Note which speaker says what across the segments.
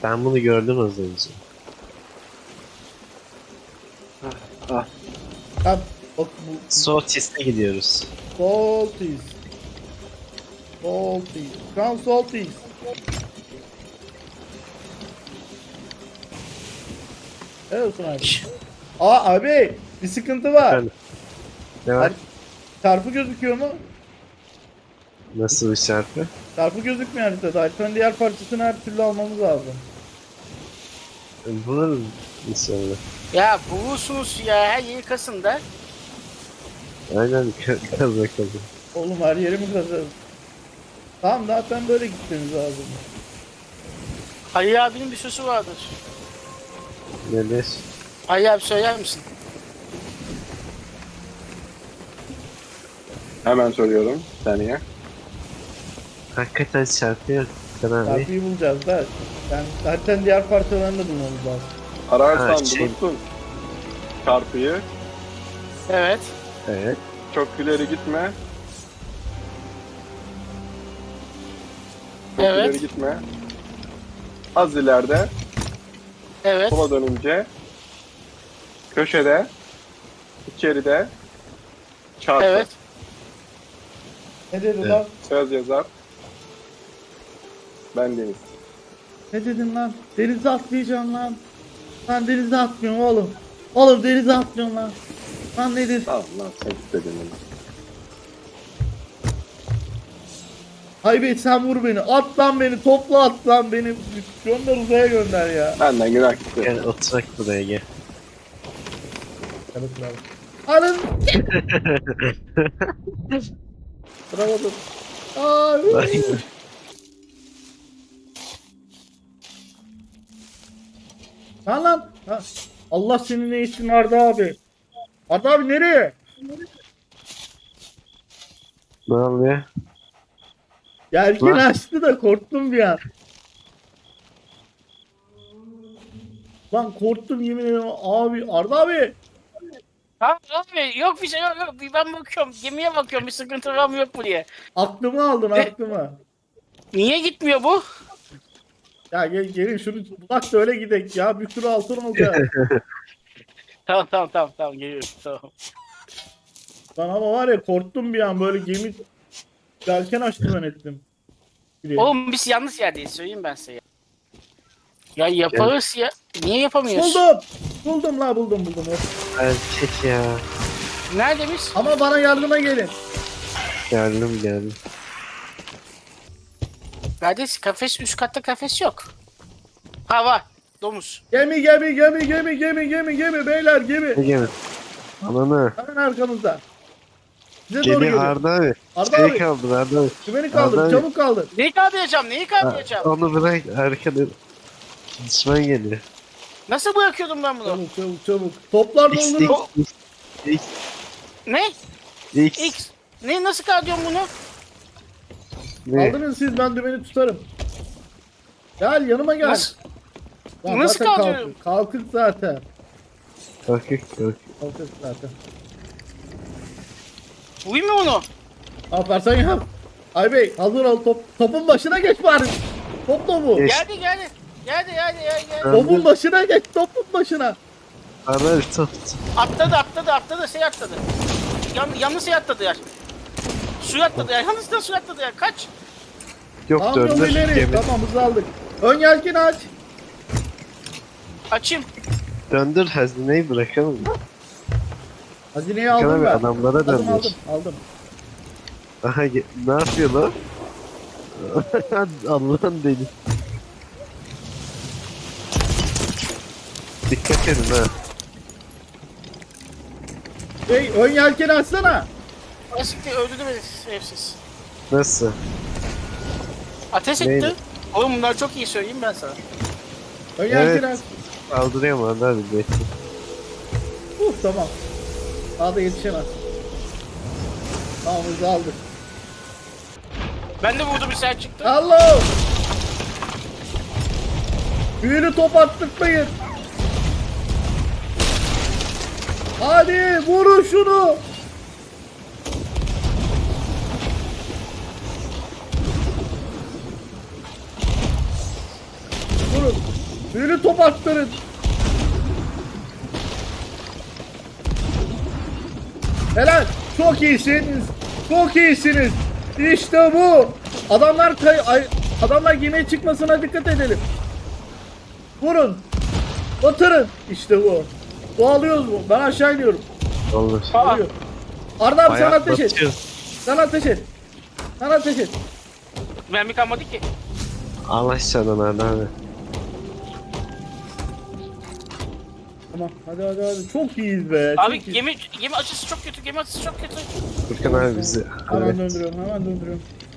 Speaker 1: Ben bunu gördüm az önce.
Speaker 2: Ah.
Speaker 3: Ha, bak bu
Speaker 1: Soğutis'e gidiyoruz.
Speaker 3: Salties. Salties. Come Salties. Evet olsun abi. Abi bir sıkıntı var.
Speaker 1: Efendim? Ne var?
Speaker 3: Çarpı gözüküyor mu?
Speaker 1: Nasıl bir şarkı?
Speaker 3: Çarpı gözükmüyor haritada. Haritanın diğer parçasını her türlü almamız lazım.
Speaker 1: Buluruz inşallah.
Speaker 4: Ya bulursunuz ya her yeri kasın da.
Speaker 1: Aynen kaz bakalım.
Speaker 3: Oğlum her yerimi kazarım. Tamam zaten böyle gitmemiz lazım.
Speaker 4: Ali abinin bir sözü vardır.
Speaker 1: Neler?
Speaker 4: Ali abi söyler misin?
Speaker 2: Hemen soruyorum. Bir saniye.
Speaker 1: Hakikaten şarkı yok. Abi.
Speaker 3: Çarpıyı bulacağız da. Yani haritanın diğer parçalarını da bulmamız lazım.
Speaker 2: Ararsan
Speaker 1: Ha, şey-
Speaker 2: bulursun. Çarpıyı.
Speaker 4: Evet.
Speaker 1: Evet.
Speaker 2: Çok ileri gitme. Çok
Speaker 4: Evet.
Speaker 2: ileri gitme. Az ileride.
Speaker 4: Evet.
Speaker 2: Sola dönünce. Köşede. İçeride. Çarpı.
Speaker 4: Evet.
Speaker 3: Ne dedi
Speaker 1: Evet.
Speaker 3: lan?
Speaker 2: Söz yazar. Ben Deniz.
Speaker 3: Ne dedin lan? Denize atlayacağım lan. Lan denize atmıyorum oğlum. Oğlum denize atmıyorum lan. Lan ne dedin?
Speaker 2: Tamam lan sen istedin onu.
Speaker 3: Haybet sen vur beni. At lan beni. Topla at lan beni. Gönder uzaya gönder ya.
Speaker 2: Benden günah gitti.
Speaker 1: Gel oturak buraya gel.
Speaker 3: Evet bravo. Anın. Bravo dur. Abi. Lan. Ha. Allah senin ne işin vardı abi? Arda abi nereye?
Speaker 1: Ne oluyor?
Speaker 3: Yelken
Speaker 1: Lan.
Speaker 3: açtı da korktum bir an. Lan korktum yemin ederim abi. Arda abi.
Speaker 4: Ha abi yok bir şey yok. Ben bakıyorum. Gemiye bakıyorum. Bir sıkıntı var mı yok mu diye.
Speaker 3: Aklımı aldın aklımı.
Speaker 4: Niye gitmiyor bu?
Speaker 3: Ya gelin şunu bulak da öyle gidek ya. Bir sürü altın olacak.
Speaker 4: Tamam geliyorum. Tamam.
Speaker 3: Lan ama var ya korktum bir an böyle gemi yelken açtı zannettim.
Speaker 4: Oğlum biz yanlış yerdeyiz söyleyeyim ben size. Ya yaparız ya. Niye yapamıyoruz?
Speaker 3: Buldum la buldum.
Speaker 1: Erkek ya.
Speaker 4: Nerede biz?
Speaker 3: Ama bana yardıma gelin.
Speaker 1: Geldim.
Speaker 4: Kardeş kafes üst katta kafes yok. Ha var. Domuz.
Speaker 3: Gemi beyler gemi.
Speaker 1: Ne gemi? Ananı.
Speaker 3: Hemen arkamızda. Size doğru
Speaker 1: Geliyor
Speaker 3: geliyor.
Speaker 1: Arda abi.
Speaker 3: Arda
Speaker 1: Şey
Speaker 3: abi.
Speaker 1: kaldı Arda abi.
Speaker 3: Kümeni kaldır
Speaker 1: Arda abi.
Speaker 3: çabuk kaldır.
Speaker 4: Neyi kaldıracağım? Neyi kaldıracağım?
Speaker 1: Onu bırak arkada. Düşman geliyor.
Speaker 4: Nasıl bırakıyordum ben bunu?
Speaker 3: Çabuk. Toplar
Speaker 1: X,
Speaker 3: doldurun.
Speaker 1: X,
Speaker 4: Ne?
Speaker 1: X.
Speaker 4: X. Ne nasıl kaldırıyorum bunu?
Speaker 1: Ne?
Speaker 3: Kaldırın siz ben dümeni tutarım. Gel yanıma gel.
Speaker 4: Nasıl?
Speaker 3: Lan
Speaker 4: nasıl
Speaker 3: zaten
Speaker 4: kaldırıyorum?
Speaker 3: Kalkık zaten.
Speaker 1: Kalkık.
Speaker 3: Kalkık zaten.
Speaker 4: Vurayım mı onu?
Speaker 3: Yaparsan yap. Ay bey hazır ol topun başına geç bari. Top topu.
Speaker 1: Geç.
Speaker 4: Geldi. Geldi.
Speaker 3: Topun başına geç topun başına.
Speaker 1: Arda abi tut.
Speaker 4: Atladı. Şey atladı. Yanlış şey atladı ya. Suya atladı ya. Yanlışlıkla suya atladı ya. Kaç.
Speaker 1: Yok
Speaker 3: Tamam yol
Speaker 1: döndür.
Speaker 3: ileri.
Speaker 1: Gemi.
Speaker 3: Tamam hızlı aldık. Ön yelkeni aç.
Speaker 4: Açayım.
Speaker 1: Döndür hazineyi bırakalım.
Speaker 3: Hazineyi aldım
Speaker 1: Bırakalım
Speaker 3: ben.
Speaker 1: adamlara döndür.
Speaker 3: Aldım.
Speaker 1: Aha ne yapıyor lan? Allah'ın deli. Dikkat edin ha.
Speaker 3: Ön yelkeni açsana.
Speaker 4: Asikti öldürdü beni evsiz.
Speaker 1: Nasıl?
Speaker 4: Ateş
Speaker 1: Neydi?
Speaker 4: etti. Oğlum bunlar çok iyi söyleyeyim ben sana.
Speaker 3: Ön yelkeni
Speaker 1: Evet.
Speaker 3: aç.
Speaker 1: Kaldırıyorum Arda abi. Bekle.
Speaker 3: Tamam. Daha da yetişemez. Tamam hızlı aldık.
Speaker 4: Ben de vurdum bir sen çıktı.
Speaker 3: Allah! Büyülü top attırtmayın. Hadi vurun şunu. Vurun. Büyülü top attırın. Helal. Çok iyisiniz. Çok iyisiniz. İşte bu. Adamlar gemiye çıkmasına dikkat edelim. Vurun. Batırın. İşte bu. Doğalıyoruz bu. Ben aşağı iniyorum.
Speaker 1: Olur.
Speaker 4: Aa,
Speaker 3: Geliyor. Arda abi sen
Speaker 1: Bayağı
Speaker 3: ateş et.
Speaker 1: batıyor.
Speaker 3: Sen ateş et. Sen ateş et.
Speaker 4: mermi kalmadı ki.
Speaker 1: Al aşağıdan hadi abi.
Speaker 3: Tamam hadi. Çok iyiyiz be.
Speaker 4: Abi
Speaker 3: çok iyiyiz.
Speaker 4: gemi açısı çok kötü. Gemi açısı çok kötü.
Speaker 1: Furkan abi bizi.
Speaker 3: Hemen
Speaker 1: Evet.
Speaker 3: döndürüyorum.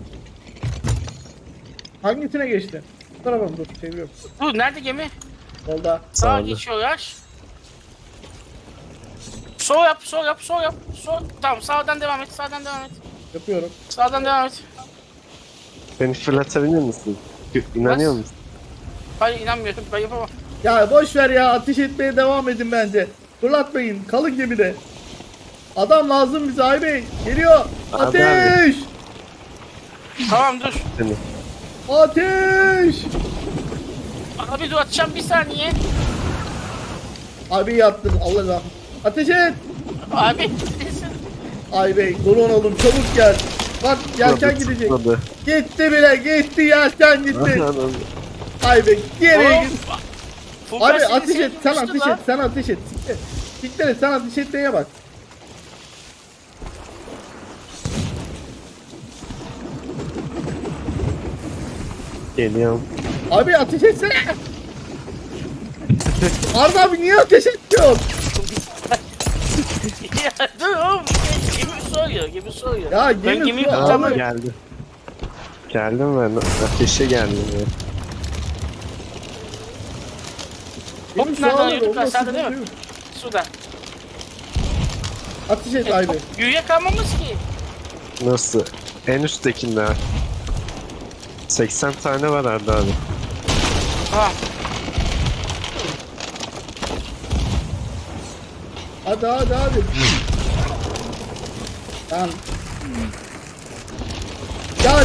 Speaker 3: Hangisine geçti? Bu tarafa mı? Dur çeviriyorum.
Speaker 4: Dur nerede gemi?
Speaker 3: Solda.
Speaker 4: Sağa
Speaker 1: Sağda.
Speaker 4: geçiyorlar. Sol yap. Sol. Tamam sağdan devam et.
Speaker 3: Yapıyorum.
Speaker 4: Sağdan devam et.
Speaker 1: Beni fırlatabilir misin? İnanıyor
Speaker 4: Bas.
Speaker 1: musun?
Speaker 4: Hayır inanmıyorum. Ben yapamam.
Speaker 3: Ya boş ver ya, ateş etmeye devam edin bence. Fırlatmayın, kalın gemide. Adam lazım bize Ay Bey. Geliyor.
Speaker 1: Abi,
Speaker 3: Ateş!
Speaker 4: Tamam dur.
Speaker 1: Seni.
Speaker 3: Ateş!
Speaker 4: Abi dur atacağım bir saniye.
Speaker 3: Abi yattın Allah razı. Ateş et!
Speaker 4: Abi.
Speaker 3: Ay Bey, durun oğlum, çabuk gel. Bak yelken gidecek.
Speaker 1: Tutmadı.
Speaker 3: Gitti bile, gitti yelken gitti.
Speaker 1: Anam.
Speaker 3: Ay Bey, geri git.
Speaker 4: Furkan
Speaker 3: Abi
Speaker 4: seni
Speaker 3: ateş et, sen
Speaker 4: sevmişti
Speaker 3: ateş
Speaker 4: lan.
Speaker 3: et, sen ateş et. Siktir. Siktir et, sen ateş etmeye bak.
Speaker 1: Geliyorum.
Speaker 3: Abi ateş etsene. Arda abi niye ateş etmiyor?
Speaker 4: Ya dur oğlum. Gemi soruyor.
Speaker 3: Ya
Speaker 4: Ben
Speaker 3: gemi
Speaker 4: gemiyi
Speaker 3: su-
Speaker 1: Tamam
Speaker 4: kurtarmam.
Speaker 3: Abi-
Speaker 1: geldim. Geldim ben. Ateşe geldim ya.
Speaker 3: Benim
Speaker 4: Hop,
Speaker 3: şu
Speaker 4: nereden
Speaker 3: anda
Speaker 4: yürüdük?
Speaker 3: olması
Speaker 4: Aşağıda değil mi?
Speaker 3: mümkün.
Speaker 4: Suda.
Speaker 3: Ateş et Ay Bey.
Speaker 4: Yüğe kalmamız ki.
Speaker 1: Nasıl? En üsttekinde. 80 tane var Arda abi.
Speaker 4: Tamam.
Speaker 3: Hadi. Tamam. Ya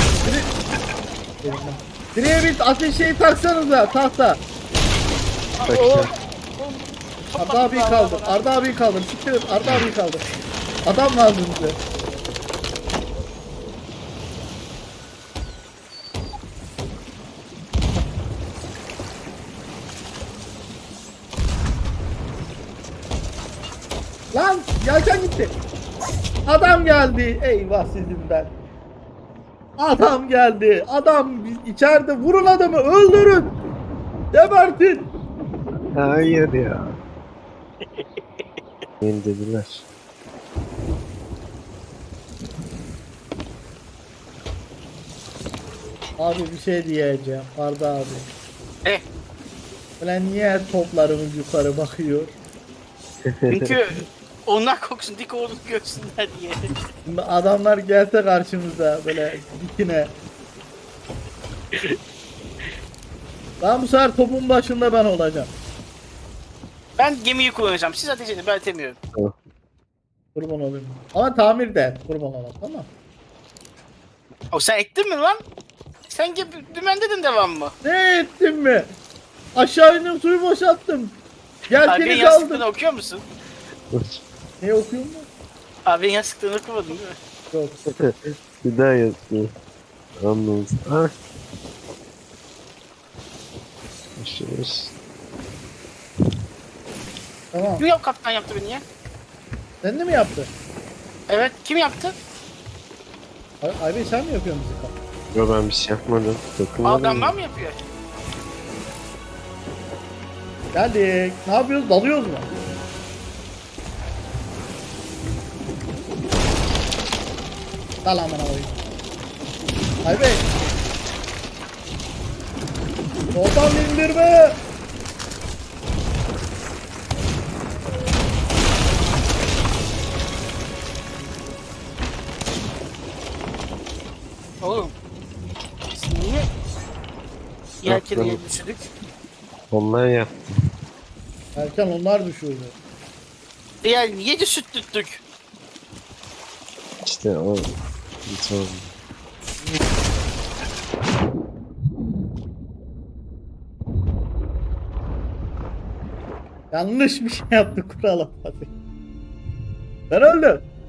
Speaker 3: direğe bir ateş şeyi taksanıza tahta.
Speaker 1: Bakayım.
Speaker 3: Arda abi kaldır. Arda abi kaldır. Siktir et, Arda abi kaldır. Adam lazım bize. Lan yelken gitti. Adam geldi. Eyvah sizin ben. Adam geldi. Adam içeride. Vurun adamı. Öldürün. Gebertin.
Speaker 1: Hayır ya. Beni dediler.
Speaker 3: Abi bir şey diyeceğim. Arda abi.
Speaker 4: Eh.
Speaker 3: Ulan niye toplarımız yukarı bakıyor?
Speaker 4: Çünkü onlar koksun dik olduğunu görsünler diye.
Speaker 3: Şimdi adamlar gelse karşımıza böyle dikine. Ben bu sefer topun başında ben olacağım.
Speaker 4: Ben gemiyi kullanacağım. Siz ateş edin. Ben etemiyorum.
Speaker 3: Kurban olayım. Ama tamir de et, kurban olayım, tamam.
Speaker 4: O sen ettin mi lan? Sen dümen dedin devam mı?
Speaker 3: Ne ettim mi? Aşağı indim, suyu boşalttım.
Speaker 4: Abi
Speaker 3: Yelkeni
Speaker 4: yastıklarını
Speaker 3: kaldım.
Speaker 4: okuyor musun?
Speaker 3: Ne okuyor mu?
Speaker 4: Abi yastıklarını okumadın değil mi?
Speaker 3: Yok.
Speaker 1: Bir daha yazıyor. Anladım. Ah. Başlıyoruz.
Speaker 3: Tamam.
Speaker 4: Kim kaptan yaptı beni ya?
Speaker 3: Sen de mi yaptın?
Speaker 4: Evet. Kim yaptı?
Speaker 3: Ay Bey sen mi yapıyorsun bizi?
Speaker 1: Yo ben bir şey yapmadım. Dokunmadım.
Speaker 4: Adamlar mı yapıyor?
Speaker 3: Geldik. Ne yapıyoruz? Dalıyoruz mu? Dal amına koyayım. Ay Bey. Soldan indirme.
Speaker 4: Oğlum. Biz niye yelkeni düşürdük?
Speaker 1: Onlar yaptı.
Speaker 3: Erken onlar düşürdü.
Speaker 4: Yani niye düşürttük?
Speaker 1: İşte o. Hiç oldu.
Speaker 3: Yanlış bir şey yaptı kurala. Ben öldüm.